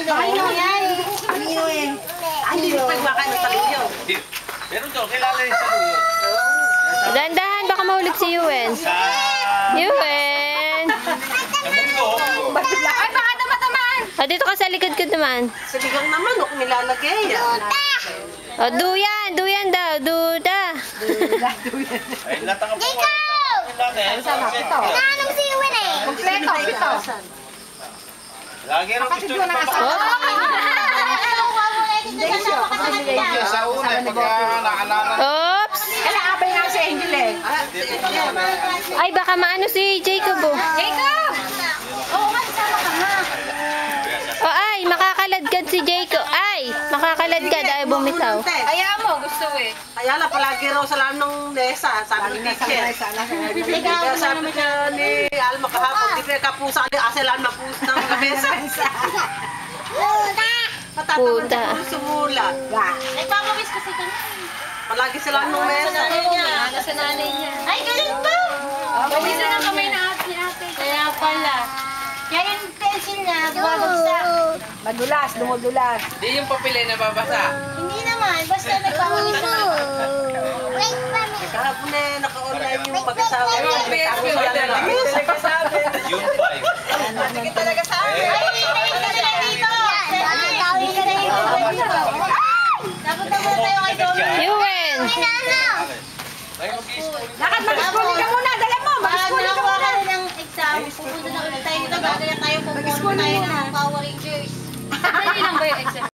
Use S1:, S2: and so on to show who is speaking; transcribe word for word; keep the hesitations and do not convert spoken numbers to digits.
S1: Ano yan? Ano eh? Ay, hindi mo pagwakan ng talilyo.
S2: Meron to, kilala rin sa Luyo.
S3: Dahan-dahan, baka mahulog si Yuen. Yuen!
S2: Sa mundo.
S1: Ay, baka tamatamaan.
S3: O, dito ka sa likod ko naman.
S1: Sa ligang naman, huwag nilalagay.
S3: O, duyan! Duyan daw! Duda!
S2: Ay, latang ang
S4: Jacob!
S2: Sama,
S1: ito.
S4: Nanong si Iwan eh.
S1: Kompleto, ito.
S2: Lagi rin gusto
S1: Kapatid ko
S2: nyo
S1: na
S2: pa.
S4: Sa
S2: una, pagka naalala.
S3: Oops!
S1: Kaya abay nga si Angel eh.
S3: Ay, baka maano si Jacob oh.
S1: Jacob! Oo nga, sama ka nga.
S3: O, ay, makakaladkad si Jacob. Ay, makakaladkad. Ay, bumitaw.
S1: Kaya mo, gusto eh. Kaya lang, palagi raw sa lahat ng Nesa, sabi ni teacher. Kaya sabi niya ni Alma kahapon, di kaya kapusa ni Aselan mapusa ng lamesa. Matataman
S3: Puta.
S1: sa puso sumula.
S4: Nagpapawis kasi kami.
S1: Palagi sila nung mesa.
S4: Nasa nanay niya. Ay, ganun ba?
S1: Pawisan
S4: na kamay na ate ate. Kaya pala. Kaya yung pencil niya, bumabagsak.
S1: Madulas, dumudulas.
S5: Di yung papel ay nababasa.
S4: Hindi naman, basta nagpapawis na. Wait pa minute.
S1: Kahapon eh, naka-online yung mag-asawa.
S5: Yung P S P order lang.
S2: Yung five.
S1: Hindi talaga sa amin.
S4: Ay, ay, ka na lang dito. Ay, tawin ka na dito. Dapat na muna tayo kay Domi.
S3: Yuen!
S2: Ay, mag-i-school.
S1: Lakad, mag-schooling ka muna. Dala mo,
S4: Pag
S1: mag-schooling ka
S4: nakuha
S1: muna.
S4: ka ng exam, pupunta na ulit tayo dito. Gagaya tayo pupunta tayo ng Power Rangers. Dali lang ba yung exam?